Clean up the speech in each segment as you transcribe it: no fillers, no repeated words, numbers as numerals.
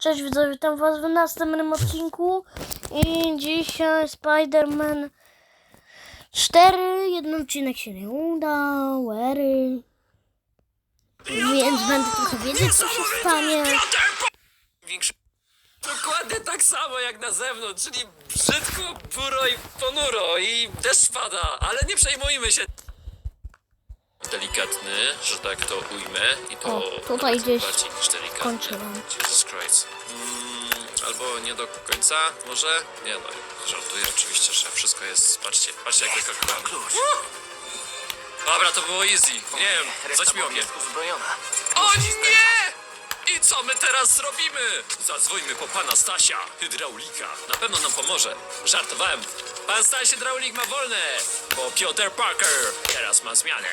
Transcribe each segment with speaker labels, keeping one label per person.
Speaker 1: Cześć widzowie, witam was w następnym odcinku i dzisiaj Spider-Man 4, jeden odcinek się nie udał, więc będę trochę wiedzieć co się stanie.
Speaker 2: Dokładnie tak samo jak na zewnątrz, czyli brzydko, buro i ponuro i deszcz pada, ale nie przejmujmy się. Delikatny, że tak to ujmę i to
Speaker 1: O, tutaj gdzieś
Speaker 2: bardziej niż delikatny.
Speaker 1: kończyłem.
Speaker 2: Jesus Christ. Albo nie do końca, może? Nie no, żartuję oczywiście, że wszystko jest, patrzcie jak wykalkulowane. Dobra, to było easy, nie wiem, zaćmiło mnie. O nie! I co my teraz zrobimy? Zadzwońmy po pana Stasia, hydraulika. Na pewno nam pomoże. Żartowałem. Pan Staś hydraulik ma wolne, bo Piotr Parker teraz ma zmianę.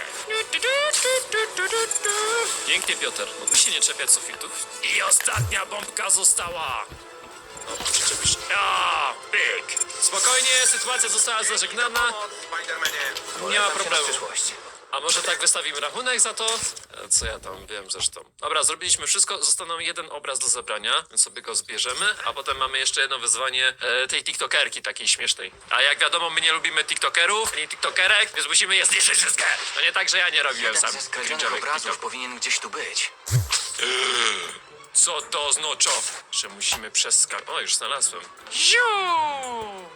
Speaker 2: Pięknie, Piotr. Mógłbyś się nie czepiać sufitów? I ostatnia bombka została. No, przyczepisz. A, pyk. Spokojnie, sytuacja została zażegnana. Nie ma problemu. A może tak wystawimy rachunek za to? Co ja tam wiem zresztą. Dobra, zrobiliśmy wszystko, został nam jeden obraz do zebrania, więc sobie go zbierzemy, a potem mamy jeszcze jedno wyzwanie tej tiktokerki takiej śmiesznej. A jak wiadomo, my nie lubimy tiktokerów, ani tiktokerek, więc musimy je zniszczyć wszystkie. No nie tak, że ja nie robiłem
Speaker 3: Jeden
Speaker 2: sam
Speaker 3: ze skradzionych
Speaker 2: cringe'owych
Speaker 3: obrazów
Speaker 2: TikToków.
Speaker 3: powinien gdzieś tu być.
Speaker 2: Co to oznacza? Że musimy przeskakać. O, już znalazłem. Ziu!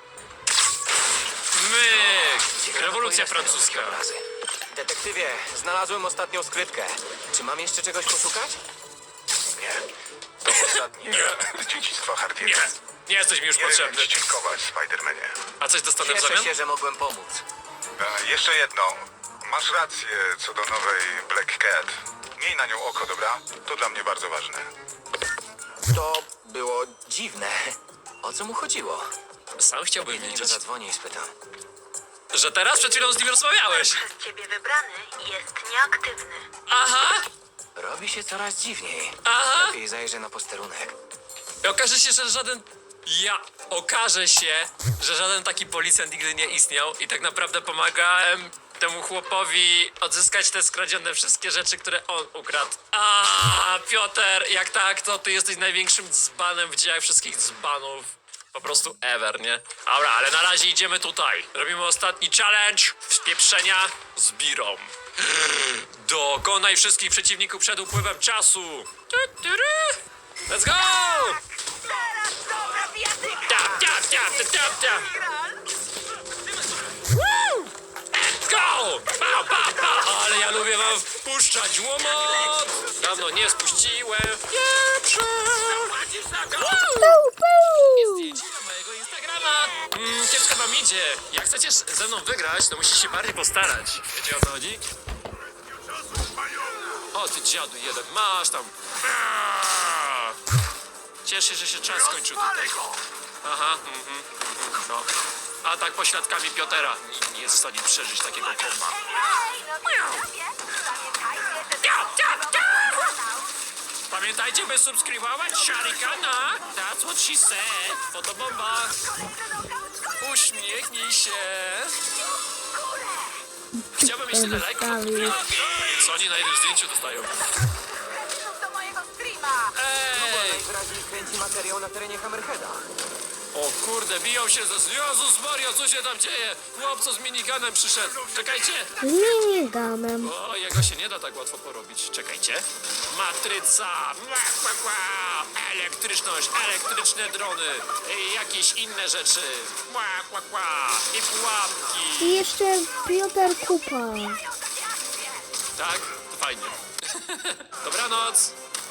Speaker 2: Myk!
Speaker 3: Ciekawe,
Speaker 2: Rewolucja
Speaker 3: po ile stanowią
Speaker 2: francuska.
Speaker 3: się obrazy. Detektywie, znalazłem ostatnią skrytkę. Czy mam jeszcze czegoś poszukać?
Speaker 4: To ostatnie dziedzictwo
Speaker 2: Nie,
Speaker 4: Hardiego.
Speaker 2: nie jesteś mi już
Speaker 4: Nie wiem
Speaker 2: potrzebny.
Speaker 4: ci dziękować, Spidermanie.
Speaker 2: A coś dostanę w
Speaker 3: Cieszę
Speaker 2: zamian?
Speaker 3: się, że mogłem pomóc.
Speaker 4: Jeszcze jedno. Masz rację co do nowej Black Cat. Miej na nią oko, dobra? To dla mnie bardzo ważne.
Speaker 3: To było dziwne. O co mu chodziło?
Speaker 2: Sam chciałbym
Speaker 3: Kiedy niego
Speaker 2: wiedzieć,
Speaker 3: zadzwonię i spytam.
Speaker 2: że teraz przed chwilą z nim rozmawiałeś.
Speaker 5: Przez ciebie wybrany jest nieaktywny.
Speaker 2: Aha,
Speaker 3: Robi się coraz dziwniej.
Speaker 2: aha.
Speaker 3: Lepiej zajrzę na posterunek.
Speaker 2: I okaże się, że żaden... Okaże się, że żaden taki policjant nigdy nie istniał i tak naprawdę pomagałem temu chłopowi odzyskać te skradzione wszystkie rzeczy, które on ukradł. A, Piotr, jak tak, to ty jesteś największym dzbanem w dziejach wszystkich dzbanów. Po prostu ever, nie? Dobra, ale na razie idziemy tutaj. Robimy ostatni challenge wspieprzenia z birą. Dokonaj wszystkich przeciwników przed upływem czasu. Let's go!
Speaker 5: Teraz dobra bijatyka!
Speaker 2: Tap, tap, tap, tap, tap, tap. Woo! Let's go! Pa, pa, pa! Ale ja lubię wam wpuszczać łomot! Dawno nie spuściłem. Pierwszy! Jest zdjęcie na mojego Instagrama. Kiepsko wam idzie. Jak chcecie ze mną wygrać, to musicie się bardziej postarać. Wiecie o co chodzi? O ty dziadu jeden, masz tam. Cieszę się, że się czas skończył tutaj. Aha, no. Atak pośladkami Piotera. Nikt nie jest w stanie przeżyć takiego komba. Pamiętajcie, by subskrybować Sharikana. That's what she said. Fotobomba. Uśmiechnij się. Chciałbym mieć tyle lajków. Co oni na jednym zdjęciu dostają?
Speaker 5: Do mojego streama!
Speaker 2: Ej!
Speaker 3: Najwyraźniej kręci materiał na terenie Hammerheada.
Speaker 2: O kurde, biją się ze... Jezus Maria, co się tam dzieje? Chłopco z miniganem przyszedł. Czekajcie.
Speaker 1: Z miniganem.
Speaker 2: O, jego się nie da tak łatwo porobić. Czekajcie. Matryca. Elektryczność, elektryczne drony. I jakieś inne rzeczy. I pułapki.
Speaker 1: I jeszcze Piotr Kupa.
Speaker 2: Tak? To fajnie. Dobranoc.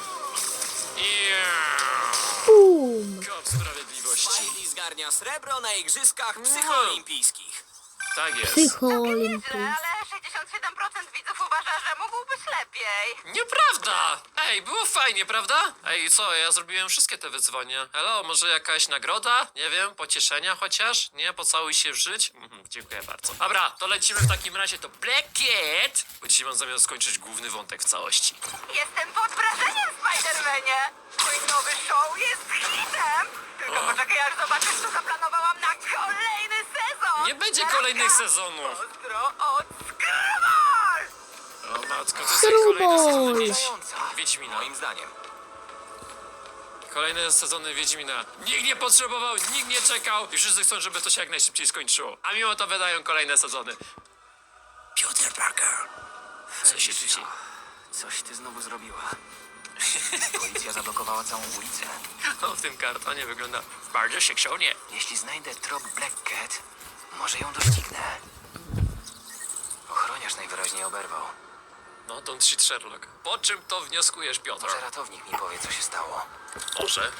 Speaker 1: Boom.
Speaker 2: Kop sprawiedliwości.
Speaker 6: Spidey zgarnia srebro na igrzyskach psychoolimpijskich.
Speaker 2: Tak jest.
Speaker 1: Psychoolimpii.
Speaker 5: Ale 67% widzów uważa, że mógłbyś lepiej.
Speaker 2: Nieprawda! Ej, było fajnie, prawda? Ej, co, ja zrobiłem wszystkie te wyzwania. Hello, może jakaś nagroda? Nie wiem, pocieszenia chociaż? Nie, pocałuj się w żyć? Dziękuję bardzo. Dobra, to lecimy w takim razie do Black Cat, bo dzisiaj mam zamiar skończyć główny wątek w całości.
Speaker 5: Jestem pod wrażeniem, Spidermanie! Mój nowy show jest hitem! Tylko poczekaj, aż zobaczysz, co zaplanowałam na kolejny sezon!
Speaker 2: Nie będzie kolejnych sezonów.
Speaker 5: Pozdro od Skrybol!
Speaker 2: O matko, to jest kolejny sezon
Speaker 1: Skrubol.
Speaker 2: Wiedźmina.
Speaker 3: Moim zdaniem.
Speaker 2: Kolejne sezony Wiedźmina. Nikt nie potrzebował, nikt nie czekał i wszyscy chcą, żeby to się jak najszybciej skończyło. A mimo to wydają kolejne sezony. Peter Parker. Co się tu dzieje?
Speaker 3: Coś ty znowu zrobiła. Policja zablokowała całą ulicę.
Speaker 2: O, w tym kartonie wygląda bardzo seksownie.
Speaker 3: Jeśli znajdę trop Black Cat, może ją doścignę. Ochroniarz najwyraźniej oberwał.
Speaker 2: No, don't shit Sherlock. Po czym to wnioskujesz, Piotr?
Speaker 3: Może ratownik mi powie, co się stało.
Speaker 2: Może.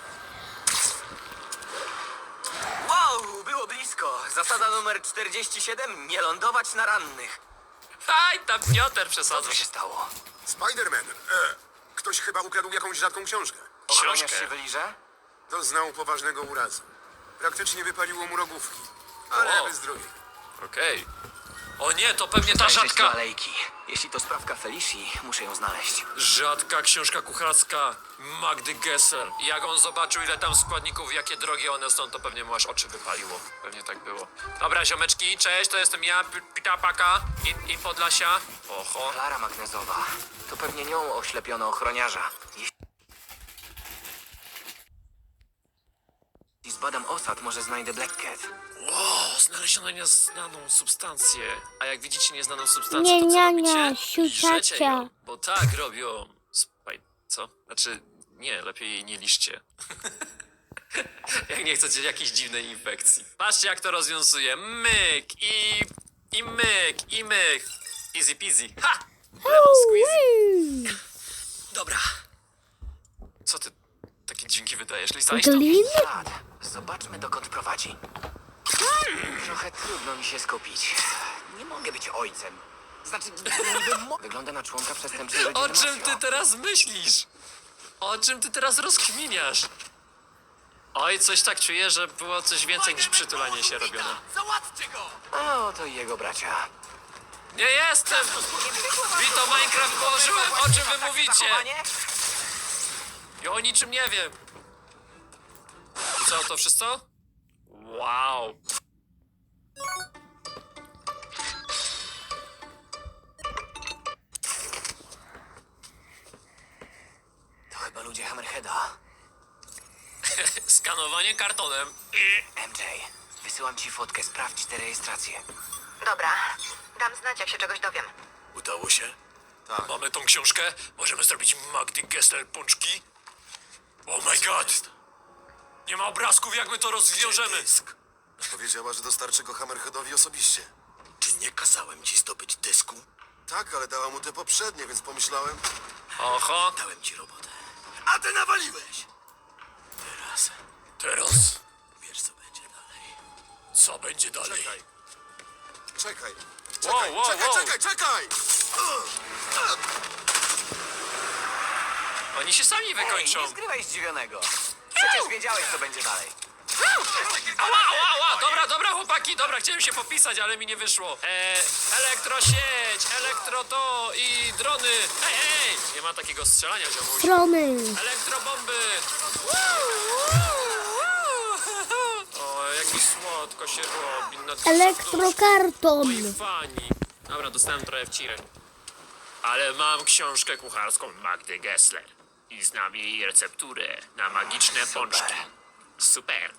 Speaker 3: Wow, było blisko. Zasada numer 47. Nie lądować na rannych.
Speaker 2: Aj, tam Piotr
Speaker 3: Co
Speaker 2: przesadza.
Speaker 3: się stało?
Speaker 7: Spider-Man, ktoś chyba ukradł jakąś rzadką książkę.
Speaker 3: Ochroniarz
Speaker 2: Książkę.
Speaker 3: się wyliże?
Speaker 7: Doznał poważnego urazu. Praktycznie wypaliło mu rogówki, ale
Speaker 2: O.
Speaker 7: bez zdrowia.
Speaker 2: Okej. O nie, to pewnie ta
Speaker 3: Zajrzeć do
Speaker 2: rzadka...
Speaker 3: alejki. Jeśli to sprawka Felicji, muszę ją znaleźć.
Speaker 2: Rzadka książka kucharska Magdy Gessler. I jak on zobaczył, ile tam składników, jakie drogie one są, to pewnie mu aż oczy wypaliło. Pewnie tak było. Dobra, ziomeczki, cześć, to jestem ja, Pitapaka i Podlasia. Oho.
Speaker 3: Klara magnezowa. To pewnie nią oślepiono ochroniarza. Jeśli zbadam osad, może znajdę Black Cat.
Speaker 2: O, znaleziono nieznaną substancję. A jak widzicie nieznaną substancję,
Speaker 1: Nie,
Speaker 2: to co
Speaker 1: nie,
Speaker 2: robicie?
Speaker 1: nie,
Speaker 2: Liżecie
Speaker 1: siusiacia.
Speaker 2: ją, bo tak robią... Co? Znaczy, nie, lepiej jej nie liszcie. Jak nie chcecie jakiejś dziwnej infekcji. Patrzcie, jak to rozwiązuje. Myk i myk i myk. Easy peasy. Ha! Lemon squeezy. Dobra. Co ty takie dźwięki wydajesz, Lisa? Idź tu.
Speaker 1: Glin?
Speaker 3: Ślad. Zobaczmy, dokąd prowadzi. Trochę trudno mi się skupić. Nie mogę być ojcem. Znaczy, wygląda na członka przestępczej rodziny
Speaker 2: O czym ty
Speaker 3: mafio.
Speaker 2: teraz myślisz? O czym ty teraz rozkminiasz? Oj, coś tak czuję, że było coś więcej niż przytulanie się robione.
Speaker 3: Załatwcie go! O, to i jego bracia.
Speaker 2: Nie jestem! Wito Minecraft położyłem, o czym wy mówicie?
Speaker 3: Zachowanie?
Speaker 2: Ja o niczym nie wiem. I co, to wszystko? Wow.
Speaker 3: To chyba ludzie Hammerheada.
Speaker 2: Skanowanie kartonem.
Speaker 3: MJ, wysyłam ci fotkę, sprawdź tę rejestrację.
Speaker 5: Dobra, dam znać, jak się czegoś dowiem.
Speaker 2: Udało się? Tak. Mamy tą książkę? Możemy zrobić Magdy Gessler pączki? Oh my god! Nie ma obrazków, jak my to rozwiążemy.
Speaker 7: Powiedziała, że dostarczy go Hammerheadowi osobiście.
Speaker 8: Czy nie kazałem ci zdobyć dysku?
Speaker 7: Tak, ale dała mu te poprzednie, więc pomyślałem...
Speaker 2: Oho,
Speaker 8: Dałem ci robotę. A ty nawaliłeś!
Speaker 2: teraz
Speaker 8: Wiesz, co będzie dalej.
Speaker 2: co będzie dalej?
Speaker 7: Czekaj.
Speaker 2: Wow, wow, wow.
Speaker 7: Czekaj!
Speaker 2: Oni się sami
Speaker 3: Ej,
Speaker 2: wykończą.
Speaker 3: nie zgrywaj zdziwionego. Przecież wiedziałeś, co będzie dalej.
Speaker 2: Ała, ała, ała, dobra, chłopaki, dobra, chciałem się popisać, ale mi nie wyszło. Elektrosieć, elektro to i drony. Ej, nie ma takiego strzelania, ziomuś.
Speaker 1: Strony.
Speaker 2: Elektrobomby. O, jak mi słodko się robi. Na serduszku.
Speaker 1: Elektrokarton.
Speaker 2: Moi fani. Dobra, dostałem trochę wcirek. Ale mam książkę kucharską Magdy Gessler. I znam jej recepturę na magiczne pączki. Super.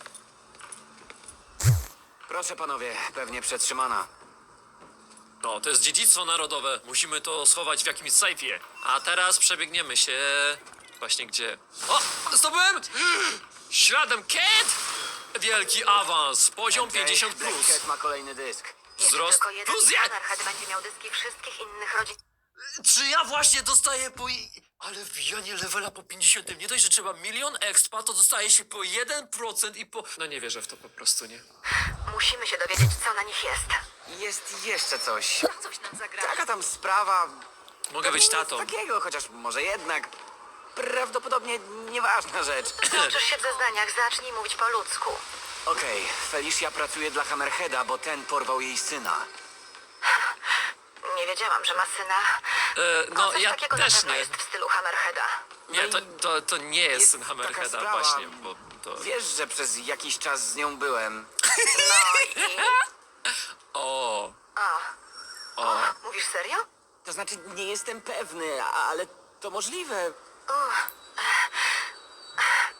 Speaker 3: Proszę panowie, pewnie przetrzymana.
Speaker 2: No, to jest dziedzictwo narodowe. Musimy to schować w jakimś sejfie. A teraz przebiegniemy się... Właśnie gdzie? O! Zdobyłem! Śladem Cat! Wielki awans. Poziom 50+.
Speaker 3: Black Cat ma kolejny dysk.
Speaker 2: Wzrost
Speaker 5: Tylko jeden
Speaker 2: plus
Speaker 5: Hammerhead będzie miał dyski wszystkich innych rodzin.
Speaker 2: Czy ja właśnie dostaję po... Ale wbijanie levela po 50. Nie dość, że trzeba 1 000 000 expa, to dostaje się po 1% i po... No nie wierzę w to po prostu, nie?
Speaker 5: Musimy się dowiedzieć, co na nich jest.
Speaker 3: Jest jeszcze coś.
Speaker 5: Coś nam zagra.
Speaker 3: Taka tam sprawa.
Speaker 2: Mogę być tatą.
Speaker 3: Takiego, chociaż może jednak. Prawdopodobnie nieważna rzecz.
Speaker 5: Uczysz się w zeznaniach, zacznij mówić po ludzku.
Speaker 3: Okej, Felicia pracuje dla Hammerheada, bo ten porwał jej syna.
Speaker 5: Nie wiedziałam, że ma syna.
Speaker 2: No,
Speaker 5: Coś
Speaker 2: ja
Speaker 5: takiego
Speaker 2: też
Speaker 5: na pewno
Speaker 2: nie.
Speaker 5: jest w stylu Hammerheada.
Speaker 2: Nie, to nie jest
Speaker 3: Jest
Speaker 2: syn
Speaker 3: taka
Speaker 2: Hammerheada,
Speaker 3: sprawa.
Speaker 2: właśnie, bo to...
Speaker 3: Wiesz, że przez jakiś czas z nią byłem.
Speaker 5: No i...
Speaker 2: O,
Speaker 5: Mówisz serio?
Speaker 3: To znaczy, nie jestem pewny, ale to możliwe.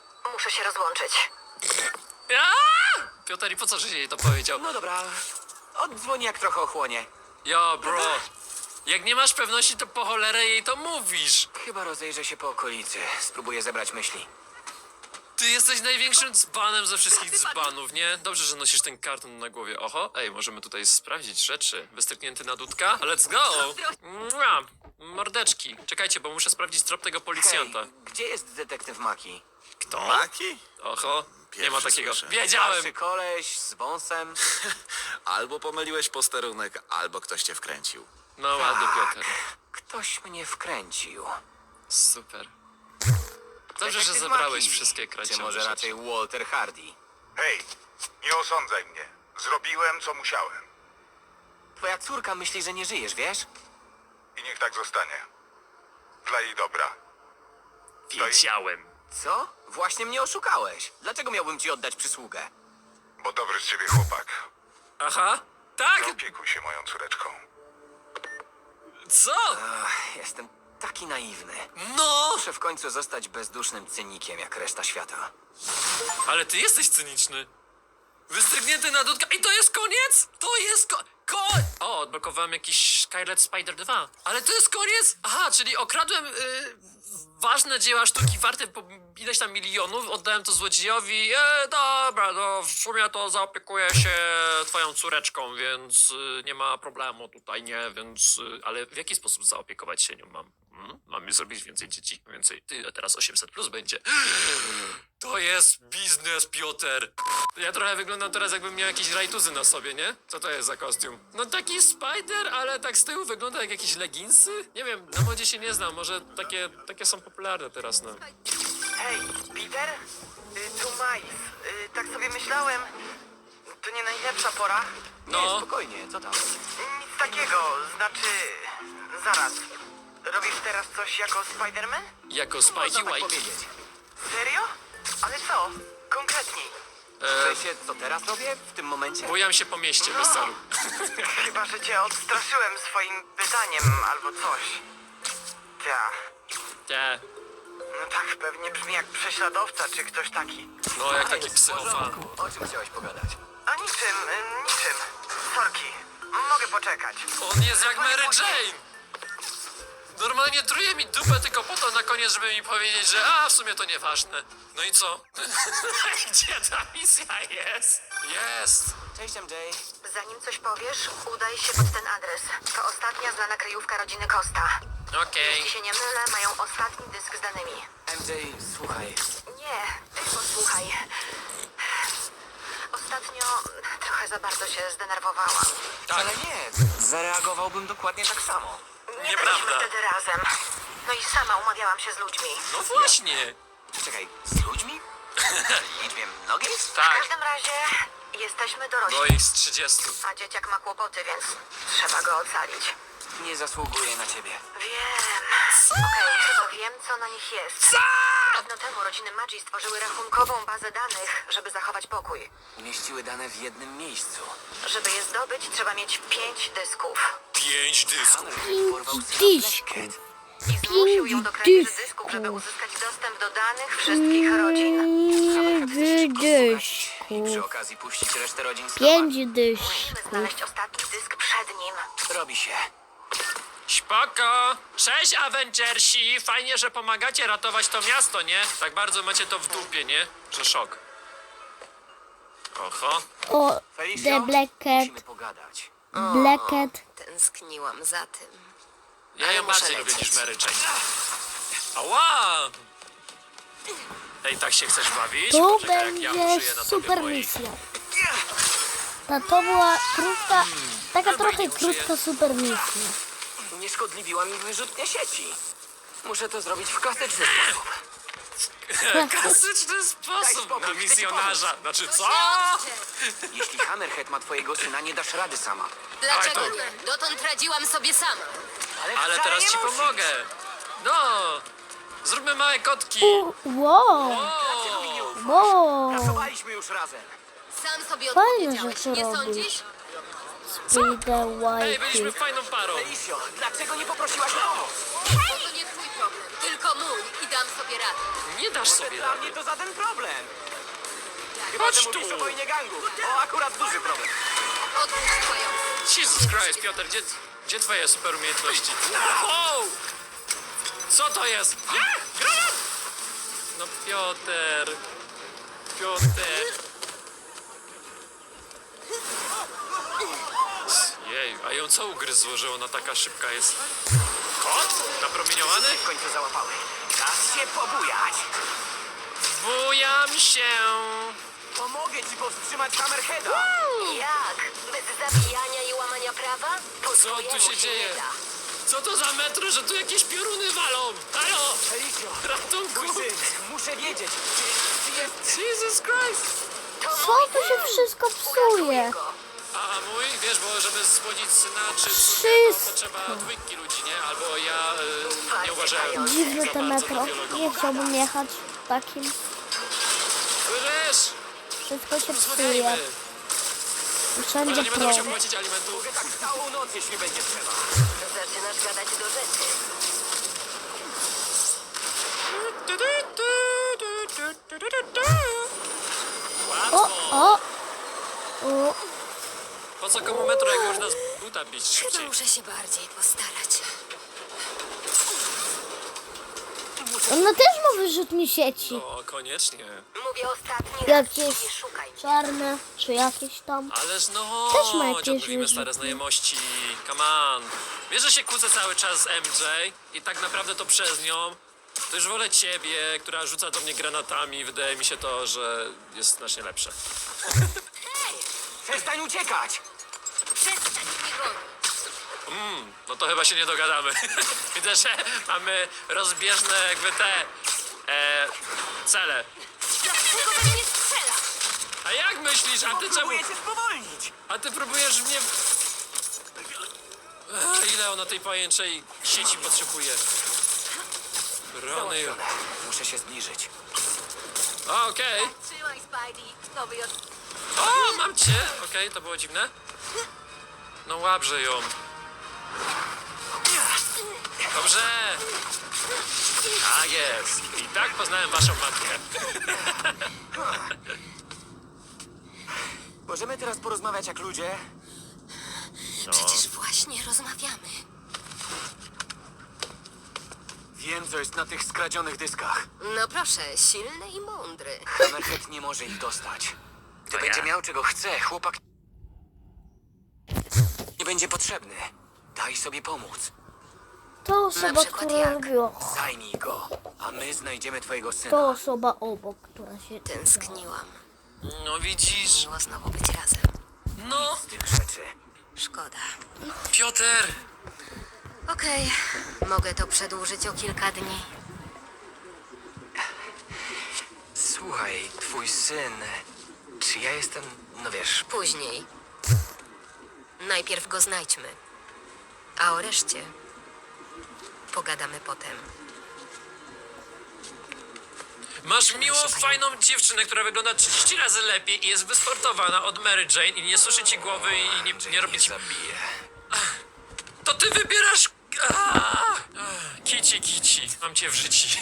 Speaker 5: muszę się rozłączyć.
Speaker 2: Piotr, i po co, że jej to powiedział?
Speaker 3: No dobra, oddzwoni jak trochę ochłonie.
Speaker 2: Jo, bro. Jak nie masz pewności, to po cholerę jej to mówisz.
Speaker 3: Chyba rozejrzę się po okolicy. Spróbuję zebrać myśli.
Speaker 2: Ty jesteś największym dzbanem ze wszystkich dzbanów, nie? Dobrze, że nosisz ten karton na głowie. Oho, ej, możemy tutaj sprawdzić rzeczy. Wystrzyknięty na dudka? Let's go! Mua, mordeczki. Czekajcie, bo muszę sprawdzić trop tego policjanta.
Speaker 3: Hej, gdzie jest detektyw Maki?
Speaker 2: Kto?
Speaker 8: Maki?
Speaker 2: Oho, nie ma
Speaker 8: Pierwszy
Speaker 2: takiego.
Speaker 8: słyszę.
Speaker 2: Wiedziałem!
Speaker 3: Starszy koleś z wąsem.
Speaker 8: Albo pomyliłeś posterunek, albo ktoś cię wkręcił.
Speaker 2: No ładnie, Piotr.
Speaker 3: Ktoś mnie wkręcił.
Speaker 2: Super. Dobrze, że
Speaker 3: Detektyw
Speaker 2: zebrałeś
Speaker 3: Maki.
Speaker 2: wszystkie
Speaker 3: Czy
Speaker 2: kradzione
Speaker 3: może
Speaker 2: rzeczy.
Speaker 3: raczej Walter Hardy?
Speaker 4: Hej, nie osądzaj mnie. Zrobiłem, co musiałem.
Speaker 3: Twoja córka myśli, że nie żyjesz, wiesz?
Speaker 4: I niech tak zostanie. Dla jej dobra.
Speaker 2: Wiedziałem.
Speaker 3: Co? Właśnie mnie oszukałeś. Dlaczego miałbym ci oddać przysługę?
Speaker 4: Bo dobry z ciebie chłopak.
Speaker 2: Aha, tak?
Speaker 4: Opiekuj się moją córeczką.
Speaker 2: Co?
Speaker 3: Ach, jestem taki naiwny.
Speaker 2: No!
Speaker 3: Muszę w końcu zostać bezdusznym cynikiem jak reszta świata.
Speaker 2: Ale ty jesteś cyniczny. Wystrygnięty na dudka. I to jest koniec? To jest O, odblokowałem jakiś Skylet Spider 2. Ale to jest koniec? Aha, czyli okradłem ważne dzieła sztuki warte po ileś tam milionów, oddałem to złodziejowi. Dobra, no w sumie to zaopiekuję się twoją córeczką, więc nie ma problemu tutaj, nie? Więc, ale w jaki sposób zaopiekować się nią mam? Mam zrobić więcej dzieci, więcej. Ty, teraz 800 plus będzie. To jest biznes, Piotr. Ja trochę wyglądam teraz, jakbym miał jakieś rajtuzy na sobie, nie? Co to jest za kostium? No taki spider, ale tak z tyłu wygląda jak jakieś leginsy? Nie wiem, na modzie się nie znam, może takie są popularne teraz, no.
Speaker 5: Hej, Peter? Tu Miles. Tak sobie myślałem. To nie najlepsza pora.
Speaker 3: Nie,
Speaker 2: No.
Speaker 3: spokojnie, co tam?
Speaker 5: Nic takiego, znaczy... Zaraz. Robisz teraz coś jako Spider-Man?
Speaker 2: Jako
Speaker 3: Można
Speaker 2: Spikey
Speaker 3: tak
Speaker 2: White.
Speaker 3: powiedzieć.
Speaker 5: Serio? Ale co? Konkretniej.
Speaker 3: W sensie, co teraz robię? W tym momencie?
Speaker 2: Bujam się po mieście bez celu.
Speaker 5: Chyba, że cię odstraszyłem swoim pytaniem albo coś. Ta.
Speaker 2: Te,
Speaker 5: No tak, pewnie brzmi jak prześladowca czy ktoś taki.
Speaker 2: no jak taki
Speaker 3: Jest w
Speaker 2: psychofan.
Speaker 3: porządku. O czym chciałeś pogadać?
Speaker 5: A niczym, niczym. Sorki. Mogę poczekać.
Speaker 2: On jest jak Mary Jane! Normalnie truje mi dupę tylko po to na koniec, żeby mi powiedzieć, że w sumie to nieważne. No i co? Gdzie ta misja jest? Jest!
Speaker 3: Cześć MJ.
Speaker 5: Zanim coś powiesz, udaj się pod ten adres. To ostatnia znana kryjówka rodziny Costa.
Speaker 2: Okej.
Speaker 5: Jeśli się nie mylę, mają ostatni dysk z danymi.
Speaker 3: MJ, słuchaj.
Speaker 5: Nie, ty posłuchaj. Ostatnio trochę za bardzo się zdenerwowałam.
Speaker 2: Tak,
Speaker 3: Ale nie, zareagowałbym dokładnie tak samo.
Speaker 5: Nie
Speaker 2: Nieprawda.
Speaker 5: byliśmy wtedy razem. No i sama umawiałam się z ludźmi.
Speaker 2: no właśnie.
Speaker 3: Czekaj, z ludźmi? Liczbie mnogiej?
Speaker 5: W
Speaker 2: Tak,
Speaker 5: każdym razie jesteśmy dorośli,
Speaker 2: bo ich z 30.
Speaker 5: a dzieciak ma kłopoty, więc trzeba go ocalić.
Speaker 3: Nie zasługuję na ciebie.
Speaker 5: Wiem. Okej, chyba wiem, co na nich jest. Dawno temu rodziny Magii stworzyły rachunkową bazę danych, żeby zachować pokój.
Speaker 3: Umieściły dane w jednym miejscu.
Speaker 5: Żeby je zdobyć, trzeba mieć 5 dysków.
Speaker 2: 5 dysków.
Speaker 3: Hammerhead porwał syna
Speaker 1: Dysków.
Speaker 3: Black Cat.
Speaker 5: I zmusił ją do kradzieży
Speaker 1: dysków.
Speaker 5: dysków, żeby uzyskać dostęp do danych wszystkich rodzin.
Speaker 3: Hammerhead chce szybko słuchać i przy
Speaker 1: Dysków.
Speaker 3: okazji puścić resztę rodzin z
Speaker 1: 5
Speaker 5: Musimy
Speaker 1: dysków.
Speaker 5: znaleźć ostatni dysk przed nim.
Speaker 3: Robi się.
Speaker 2: Spoko! Cześć, Avengersi! Fajnie, że pomagacie ratować to miasto, nie? Tak bardzo macie to w dupie, nie? Że szok. Oho.
Speaker 1: O,
Speaker 3: Felicio,
Speaker 1: The Black
Speaker 3: musimy
Speaker 1: Cat.
Speaker 3: pogadać.
Speaker 1: Black Cat.
Speaker 5: Tęskniłam za tym.
Speaker 2: Ja ją bardziej lubię niż Mary Jane. Ała! Ej, tak się chcesz bawić?
Speaker 1: Tu
Speaker 2: Poczekaj, jak ja
Speaker 1: będzie
Speaker 2: użyję na tobie
Speaker 1: super
Speaker 2: moich.
Speaker 1: misja. To była krótka, taka trochę krótka super misja.
Speaker 3: Unieszkodliwiła mi wyrzutnie sieci. Muszę to zrobić w klasyczny sposób.
Speaker 2: Klasyczny
Speaker 3: Daj
Speaker 2: sposób
Speaker 3: spokój,
Speaker 2: na
Speaker 3: chcę ci
Speaker 2: misjonarza.
Speaker 3: pomóc.
Speaker 2: Znaczy co?
Speaker 3: Jeśli Hammerhead ma twojego syna, nie dasz rady sama.
Speaker 2: Dlaczego
Speaker 9: nie? Dotąd radziłam sobie sama.
Speaker 2: Ale
Speaker 3: wcale
Speaker 2: teraz
Speaker 3: nie
Speaker 2: ci
Speaker 3: musisz.
Speaker 2: pomogę. No! Zróbmy małe kotki.
Speaker 1: Wow,
Speaker 2: O!
Speaker 1: wow.
Speaker 3: Pracowaliśmy już razem.
Speaker 9: Sam sobie
Speaker 1: Fajne
Speaker 9: odpowiedziałeś,
Speaker 1: rzeczy
Speaker 9: nie
Speaker 1: robisz.
Speaker 9: sądzisz?
Speaker 1: Spider
Speaker 2: Ej, byliśmy
Speaker 1: White.
Speaker 2: fajną parą.
Speaker 3: Felicio, dlaczego nie poprosiłaś o pomoc?
Speaker 9: Bo to nie twój problem, tylko mój. I Dam sobie radę.
Speaker 2: Nie dasz sobie
Speaker 3: Dla mnie
Speaker 2: rady.
Speaker 3: to żaden problem. Chyba,
Speaker 2: Chodź
Speaker 3: że
Speaker 2: tu.
Speaker 3: mówisz o wojnie gangu. O, akurat duży problem.
Speaker 9: Odpuść pająk.
Speaker 2: Jesus Christ, Piotr, gdzie twoje super umiejętności? Wow! Co to jest? Nie! Granat! No Piotr. Jej, a ją co ugryzło, że ona taka szybka jest? Kot? Napromieniowany?
Speaker 3: W końcu załapały. Czas się pobujać.
Speaker 2: Bujam się!
Speaker 3: Pomogę ci powstrzymać Hammerheada.
Speaker 9: Jak? Bez zabijania i łamania prawa? Po
Speaker 2: Co
Speaker 9: swojemu
Speaker 2: tu się dzieje?
Speaker 9: nie da.
Speaker 2: Co to za metro, że tu jakieś pioruny walą? Halo!
Speaker 3: Felicio,
Speaker 2: Ratunku!
Speaker 3: mój syn, muszę wiedzieć, czy jest...
Speaker 2: Jesus Christ!
Speaker 1: Co tu się wszystko psuje?
Speaker 2: A mój, wiesz, bo żeby spłodzić syna czy córkę,
Speaker 1: Wszystko.
Speaker 2: to trzeba dwójki ludzi, nie? Albo ja nie uważałem
Speaker 1: Dziwne
Speaker 2: za
Speaker 1: to
Speaker 2: bardzo
Speaker 1: metro.
Speaker 2: na biologię.
Speaker 1: Nie chciałbym jechać takim.
Speaker 2: Słyszysz?
Speaker 1: Wszystko się psuje.
Speaker 2: Rozmawiajmy.
Speaker 1: I
Speaker 2: Może
Speaker 1: wszędzie
Speaker 2: nie będę musiał
Speaker 1: plon.
Speaker 2: płacić alimentów.
Speaker 3: Mogę tak całą noc, jeśli będzie trzeba.
Speaker 9: Zaczynasz gadać do rzeczy.
Speaker 1: O,
Speaker 2: Łatwo.
Speaker 1: o.
Speaker 2: Po co komu metro, jak można z buta bić
Speaker 9: Chyba
Speaker 2: szybciej?
Speaker 9: muszę się bardziej postarać.
Speaker 1: Ona też ma wyrzutnie sieci.
Speaker 2: O, koniecznie.
Speaker 9: Mówię ostatni raz.
Speaker 1: Jakieś
Speaker 9: Nie szukaj.
Speaker 1: czarne, czy jakieś tam.
Speaker 2: Ależ no,
Speaker 1: Też ma jakieś
Speaker 2: odnowimy
Speaker 1: wyrzutnie.
Speaker 2: stare znajomości. Come on. Wiesz, że się kłócę cały czas z MJ i tak naprawdę to przez nią. To już wolę ciebie, która rzuca do mnie granatami. Wydaje mi się to, że jest znacznie lepsze.
Speaker 3: Przestań uciekać!
Speaker 9: Przestań mnie gonić.
Speaker 2: No to chyba się nie dogadamy. Widzę, że mamy rozbieżne jakby te cele.
Speaker 9: Dlaczego we mnie strzela?
Speaker 2: A jak myślisz? A ty czemu?
Speaker 3: Próbuję cię spowolnić!
Speaker 2: A ty próbujesz mnie... Ile ona tej pajęczej sieci potrzebuje? Rony.
Speaker 3: Załatwione. Muszę się zbliżyć.
Speaker 2: Okej.
Speaker 9: Trzymaj, Spidey. Nowy od...
Speaker 2: O, mam cię! Okej, to było dziwne. No łabrze ją. Dobrze. Tak jest. I tak poznałem waszą matkę.
Speaker 3: Możemy teraz porozmawiać jak ludzie?
Speaker 9: Przecież właśnie rozmawiamy.
Speaker 3: Wiem, co jest na tych skradzionych dyskach.
Speaker 9: No proszę, silny i mądry.
Speaker 3: Hammerhead nie może ich dostać. Gdy będzie miał czego chce, chłopak nie będzie potrzebny. Daj sobie pomóc.
Speaker 1: To osoba,
Speaker 9: przykład
Speaker 1: która
Speaker 9: jak?
Speaker 1: robiła.
Speaker 3: Zajmij go, a my znajdziemy twojego syna.
Speaker 1: To osoba obok, która się...
Speaker 9: Tęskniłam.
Speaker 2: No widzisz.
Speaker 9: Miło znowu być razem.
Speaker 2: No,
Speaker 3: Z tych rzeczy.
Speaker 9: Szkoda.
Speaker 2: Piotr.
Speaker 9: Okej, mogę to przedłużyć o kilka dni.
Speaker 3: Słuchaj, twój syn... Czy ja jestem... No wiesz...
Speaker 9: Później. Najpierw go znajdźmy. A o reszcie pogadamy potem.
Speaker 2: Masz miłą, fajną dziewczynę, która wygląda 30 razy lepiej i jest wysportowana od Mary Jane i nie suszy ci głowy i nie robi ci...
Speaker 3: Zabiję.
Speaker 2: To ty wybierasz... Kici. Mam cię w życiu.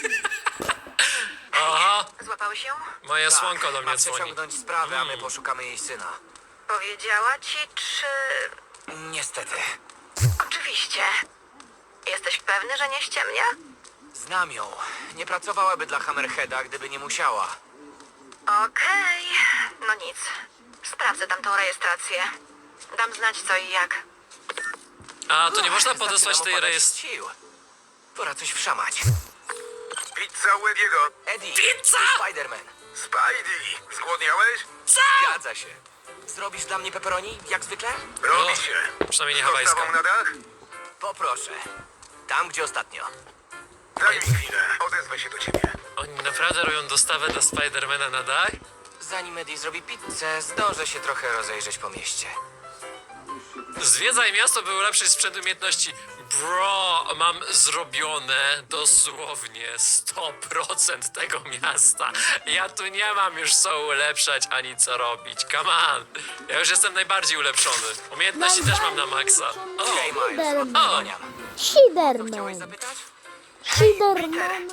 Speaker 2: Aha,
Speaker 5: Złapały się?
Speaker 2: moje słonko do
Speaker 3: Ma
Speaker 2: mnie dzwoni.
Speaker 3: przeciągnąć sprawę, a my poszukamy jej syna.
Speaker 5: Powiedziała ci, czy...
Speaker 3: Niestety.
Speaker 5: Oczywiście. Jesteś pewny, że nie ściemnia?
Speaker 3: Znam ją. Nie pracowałaby dla Hammerheada, gdyby nie musiała.
Speaker 5: Okej. No nic. Sprawdzę tamtą rejestrację. Dam znać co i jak.
Speaker 2: A, to nie można
Speaker 3: Zaczynam
Speaker 2: podesłać tej
Speaker 3: opadać
Speaker 2: rejestracji.
Speaker 3: z sił. Pora coś wszamać.
Speaker 4: Pizza Wediego.
Speaker 3: Eddie,
Speaker 2: Pizza!
Speaker 3: to Spider-Man.
Speaker 4: Spidey, zgłodniałeś?
Speaker 3: Zgadza się. Zrobisz dla mnie pepperoni, jak zwykle?
Speaker 4: Robi
Speaker 2: O,
Speaker 4: się.
Speaker 2: przynajmniej nie
Speaker 4: Z dostawą
Speaker 2: hawajska.
Speaker 4: na dach?
Speaker 3: Poproszę. Tam, gdzie ostatnio.
Speaker 4: Daj mi chwilę, odezwę się do ciebie.
Speaker 2: Oni naprawdę robią dostawę dla Spidermana na dach?
Speaker 3: Zanim Eddie zrobi pizzę, zdążę się trochę rozejrzeć po mieście.
Speaker 2: Zwiedzaj miasto, by ulepszyć sprzęt umiejętności. Bro, mam zrobione dosłownie 100% tego miasta. Ja tu nie mam już co ulepszać ani co robić. Come on. Ja już jestem najbardziej ulepszony. Umiejętności też mam na maksa. O,
Speaker 3: Hej, Miles,
Speaker 1: Spiderman.
Speaker 3: odsłaniam. Chciałeś
Speaker 1: Shiderman.
Speaker 3: zapytać?
Speaker 1: Shiderman.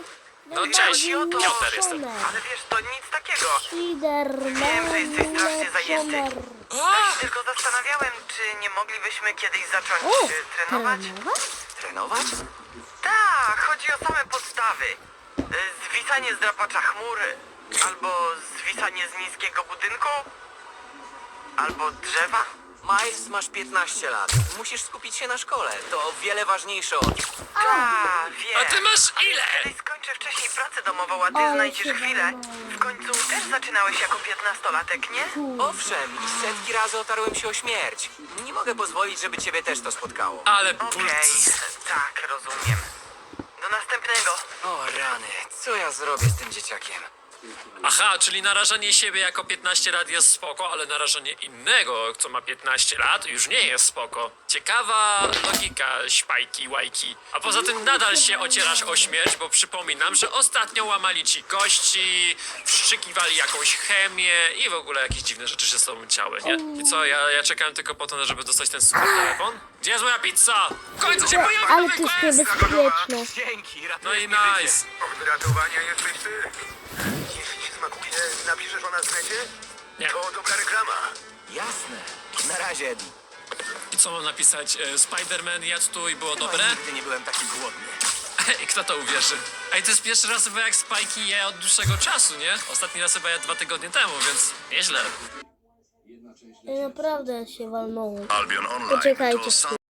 Speaker 2: No cześć, Piotr jestem.
Speaker 5: Ale wiesz, to nic takiego.
Speaker 1: Spiderman
Speaker 5: Wiem, że jesteś strasznie zajęty.
Speaker 1: ulepszony.
Speaker 5: Ja się tylko zastanawiałem, czy nie moglibyśmy kiedyś zacząć trenować?
Speaker 3: Trenować?
Speaker 5: Tak, chodzi o same podstawy. Zwisanie z drapacza chmury, albo zwisanie z niskiego budynku, albo drzewa.
Speaker 3: Miles, masz 15 lat. Musisz skupić się na szkole. To o wiele ważniejsze od...
Speaker 5: Tak, wiem.
Speaker 2: A ty masz ile?
Speaker 5: Jeżeli skończę wcześniej pracę domową, a ty
Speaker 1: Ale
Speaker 5: znajdziesz
Speaker 1: się
Speaker 5: chwilę,
Speaker 1: załamałem.
Speaker 5: w końcu też zaczynałeś jako 15-latek, nie?
Speaker 3: Owszem, i setki razy otarłem się o śmierć. Nie mogę pozwolić, żeby ciebie też to spotkało.
Speaker 2: Ale
Speaker 5: Okej,
Speaker 2: pulc.
Speaker 5: tak, rozumiem. Do następnego.
Speaker 3: O rany, co ja zrobię z tym dzieciakiem?
Speaker 2: Aha, czyli narażanie siebie jako 15 lat jest spoko, ale narażanie innego, co ma 15 lat, już nie jest spoko. Ciekawa logika, śpajki, łajki. A poza tym nadal się ocierasz o śmierć, bo przypominam, że ostatnio łamali ci kości, wszczykiwali jakąś chemię i w ogóle jakieś dziwne rzeczy się z tobą działy, nie? I co, ja czekałem tylko po to, żeby dostać ten super telefon? Gdzie jest moja pizza? W końcu się pojawił
Speaker 1: Ale
Speaker 2: nowy
Speaker 1: to jest
Speaker 2: quest!
Speaker 1: niebezpieczne.
Speaker 3: Dzięki,
Speaker 2: No
Speaker 3: ratujesz
Speaker 2: i
Speaker 3: mi życie.
Speaker 2: nice.
Speaker 4: Od ratowania jesteś ty. Jeśli ci smakuje, napiszesz o nas w necie?
Speaker 2: Nie.
Speaker 4: To dobra reklama.
Speaker 3: Jasne. Na razie, Eddie.
Speaker 2: I co mam napisać? Spider-Man jadł tu i było dobre?
Speaker 3: Nigdy nie byłem taki głodny.
Speaker 2: I kto to uwierzy? Ej, to jest pierwszy raz chyba jak Spike'i je od dłuższego czasu, nie? Ostatni raz chyba ja 2 tygodnie temu, więc nieźle.
Speaker 1: Naprawdę się walnąło.
Speaker 4: Albion Online
Speaker 1: Poczekajcie
Speaker 4: to sam